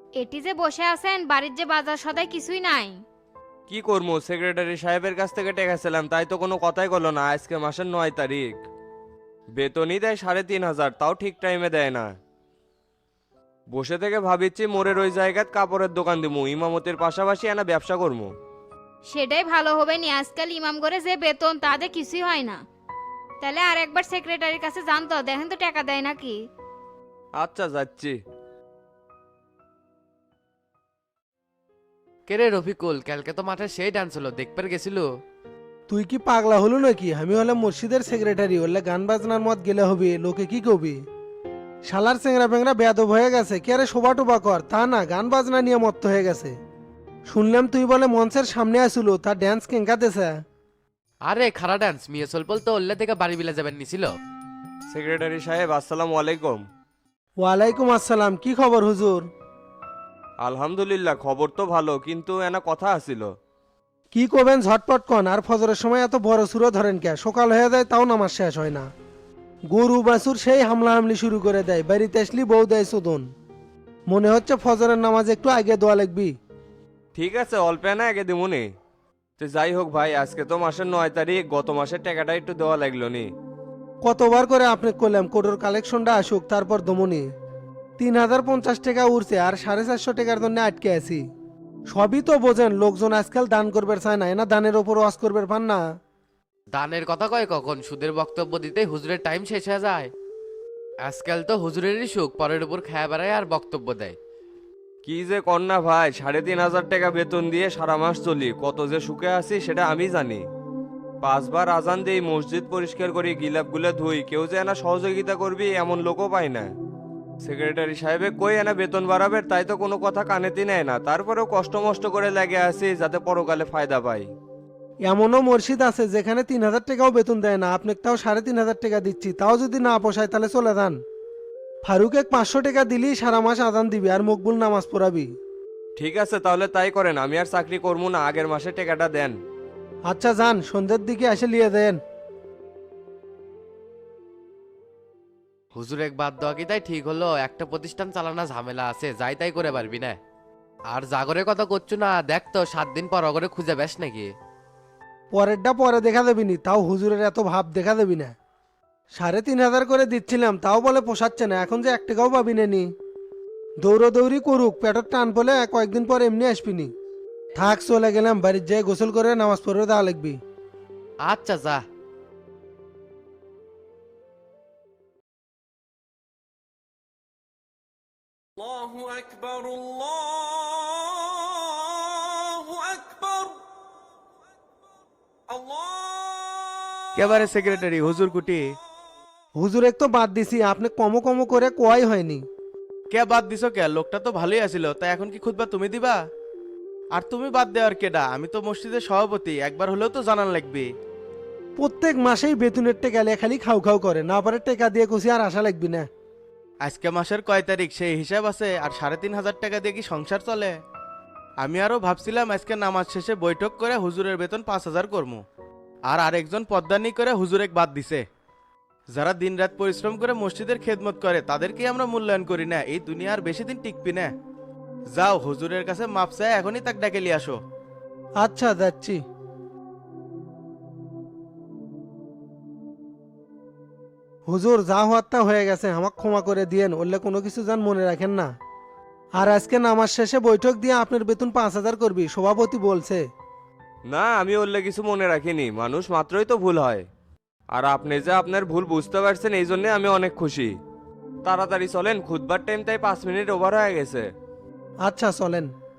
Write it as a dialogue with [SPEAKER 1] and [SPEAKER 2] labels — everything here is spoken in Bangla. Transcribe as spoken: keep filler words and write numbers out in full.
[SPEAKER 1] এটি যে বসে আছেন বাড়ির যে বাজার সদাই কিছুই নাই।
[SPEAKER 2] কি করবো, সেক্রেটারি সাহেবের কাছ থেকে টেকেছিলাম, তাই তো কোনো কথাই করলো না। আজকে মাসের নয় তারিখ, বেতনই দেয় সাড়ে তিন হাজার, তাও ঠিক টাইমে দেয় না। বসে থেকে ভাবিচ্ছি মোরের ওই জায়গায় কাপড়ের দোকান দিমু, ইমামতির পাশাপাশি এনা ব্যবসা করবো।
[SPEAKER 1] সেটাই ভালো হবে নি, আজকাল ইমাম করে যে বেতন তাতে কিছুই হয় না। তাহলে আর একবার সেক্রেটারির কাছে জানতো, দেখেন তো টাকা দেয় নাকি।
[SPEAKER 2] আচ্ছা, যাচ্ছি।
[SPEAKER 3] কেরে রফিকুল, কালকে তো মাঠে সেই ডান্স হলো, দেখবার গেছিল?
[SPEAKER 4] তুই কি পাগলা হলো নাকি? আমি হলাম মসজিদের সেক্রেটারি, হলে গান বাজনার মত গেলে হবে, লোকে কি কবি? শালার চেংরা পেংরা বেয়াদব হয়ে গেছে, কে আরে শোভা টোবা কর, তা না গান বাজনা নিয়ে মত্ত হয়ে গেছে। শুনলাম তুই বলে মঞ্চের সামনে আসিল, তার ড্যান্স কেঙ্কাতেছে।
[SPEAKER 3] আরে খারা ডান্স মিয়া সলপল তো ওল্লা থেকে বাড়ি বিলা যাবেন নিছিল।
[SPEAKER 2] সেক্রেটারি সাহেব, আসসালামু আলাইকুম।
[SPEAKER 4] ওয়ালাইকুম আসসালাম, কি খবর হুজুর?
[SPEAKER 2] আলহামদুলিল্লাহ, খবর তো ভালো, কিন্তু এনা কথা আছিল।
[SPEAKER 4] কি করবেন ঝটপট কন, আর ফজরের সময় এত বড় সুরো ধরেন কে? সকাল হয়ে যায় তাও নামাজ শেষ হয় না। গরু বাছুর সেই হামলা হামলি শুরু করে দেয়, বাড়িতে আসলি বউ দেয় শোধন। মনে হচ্ছে ফজরের নামাজ একটু আগে দোয়া লাগবি।
[SPEAKER 2] ঠিক আছে, অল্প না আগে দিমুনি। তো যাই হোক ভাই, আজকে তো মাসের নয় তারিখ, গত মাসের টাকাটা একটু দেওয়া লাগলো নি।
[SPEAKER 4] কতবার করে আপনি করলাম কোটোর কালেকশনটা আসুক তারপর দমনি। তিন হাজার পঞ্চাশ টাকা উঠছে, আর সাড়ে চারশো টাকার জন্য আটকে আছি। সবই তো বোঝেন, লোকজন আজকাল দান করবে চায় না, এনা দানের ওপর ওয়াজ করবে পান না।
[SPEAKER 3] দানের কথা কয় কখন, সুদের বক্তব্য দিতে হুজুরের টাইম শেষ হয়ে যায়। আজকাল তো হুজুরেরই সুখ, পরের উপর খায়া বেড়ায় আর বক্তব্য দেয়।
[SPEAKER 2] কি যে কন্যা ভাই, সাড়ে তিন হাজার টাকা বেতন দিয়ে সারা মাস চলি, কত যে সুখে আছি সেটা আমি জানি। পাঁচবার আজান দিই, মসজিদ পরিষ্কার করি, গিলাপগুলো ধুই, কেউ যে এনা সহযোগিতা করবি এমন লোকও পাই না। সেক্রেটারি সাহেবে কই এনা বেতন বাড়াবে, তাই তো কোনো কথা কানেতি নেয় না। তারপরেও কষ্ট মষ্ট করে লাগে আছি যাতে পরকালে ফায়দা পাই।
[SPEAKER 4] এমনও মসজিদ আছে যেখানে তিন হাজার টাকাও বেতন দেয় না, আপনাকে তাও সাড়ে তিন হাজার টাকা দিচ্ছি, তাও যদি না পোষায় তাহলে চলে যান। ফারুকে পাঁচশো টাকা দিলেই সারা মাস আজান দিবি আর মকবুল নামাজ পড়াবি।
[SPEAKER 2] ঠিক আছে, তাহলে তাই করেন, আমি আর চাকরি করবো না, আগের মাসে টাকাটা দেন।
[SPEAKER 4] আচ্ছা যান, সন্ধ্যের দিকে এসে লিয়ে দেন।
[SPEAKER 3] হুজুর এক বাদ দেওয়া কি তাই ঠিক হলো? একটা প্রতিষ্ঠান চালানো ঝামেলা আছে, যাই তাই করে পারবি না। আর জাগরের কথা করছো না, দেখ তো সাত দিন পর অগরে খুঁজে বেশ নাকি।
[SPEAKER 4] পরেরটা পরে দেখা দেবি নি, তাও হুজুরের এত ভাব দেখা দেবি না। সাড়ে তিন হাজার করে দিচ্ছিলাম, তাও বলে পোষাচ্ছে না, এখন যে এক টাকাও পাবি না নি। দৌড়দৌড়ি করুক, পেটের টান পলে কয়েকদিন পর এমনি আসবিনি। থাক, চলে গেলাম, বাড়ির যেয়ে গোসল করে নামাজ পড়ে দেওয়া লাগবি।
[SPEAKER 3] আচ্ছা যা।
[SPEAKER 5] الله أكبر الله أكبر الله
[SPEAKER 6] কেবারে সেক্রেটারি হুজুর কুটি।
[SPEAKER 4] হুজুর এক তো বাদ দিছি, আপনি কমো কমো করে কোয়াই হয়নি।
[SPEAKER 6] কে বাদ দিছো কে? লোকটা তো ভালোই আছিল, তা এখন কি খুতবা তুমি দিবা? আর তুমি বাদ দেওয়ার কেডা? আমি তো মসজিদের সভাপতি, একবার হলেও তো জানান লাগবে।
[SPEAKER 4] প্রত্যেক মাসেই বেতনের টেকা লিয়ে খালি খাও খাও করে, না পারে টেকা দিয়ে কুছি আর আশা লাগবি না।
[SPEAKER 6] আজকে মাসের কয় তারিখ সেই হিসাব আছে? আর সাড়ে তিন হাজার টাকা দিয়ে কি সংসার চলে? আমি আরো ভাবছিলাম আজকে নামাজ শেষে বৈঠক করে হুজুরের বেতন পাঁচ হাজার করবো। আর আরেকজন পদ্মানি করে হুজুরেক বাদ দিছে। যারা দিনরাত পরিশ্রম করে মসজিদের খেদমত করে তাদেরকে আমরা মূল্যায়ন করি না, এই দুনিয়া আর বেশি দিন টিকবি না। যাও হুজুরের কাছে মাপ চাই, এখনই তাক ডাকে লিয়ে আসো।
[SPEAKER 4] আচ্ছা যাচ্ছি। হুজুর, যা হওয়ার তা হয়ে গেছে, আমাকে ক্ষমা করে দিয়েন, ওরলে কোনো কিছু যান মনে রাখেন না। আর আজকে নামাজ শেষে বৈঠক দিয়ে আপনার বেতন পাঁচ হাজার করবি, সভাপতি বলছে।
[SPEAKER 2] না, আমি ওরলে কিছু মনে রাখিনি, মানুষ মাত্রই তো ভুল হয়। আর আপনি যে আপনার ভুল বুঝতে পারছেন, এই জন্যে আমি অনেক খুশি। তাড়াতাড়ি চলেন, খুদবার টাইম তাই পাঁচ মিনিট ওভার হয়ে গেছে।
[SPEAKER 4] আচ্ছা চলেন।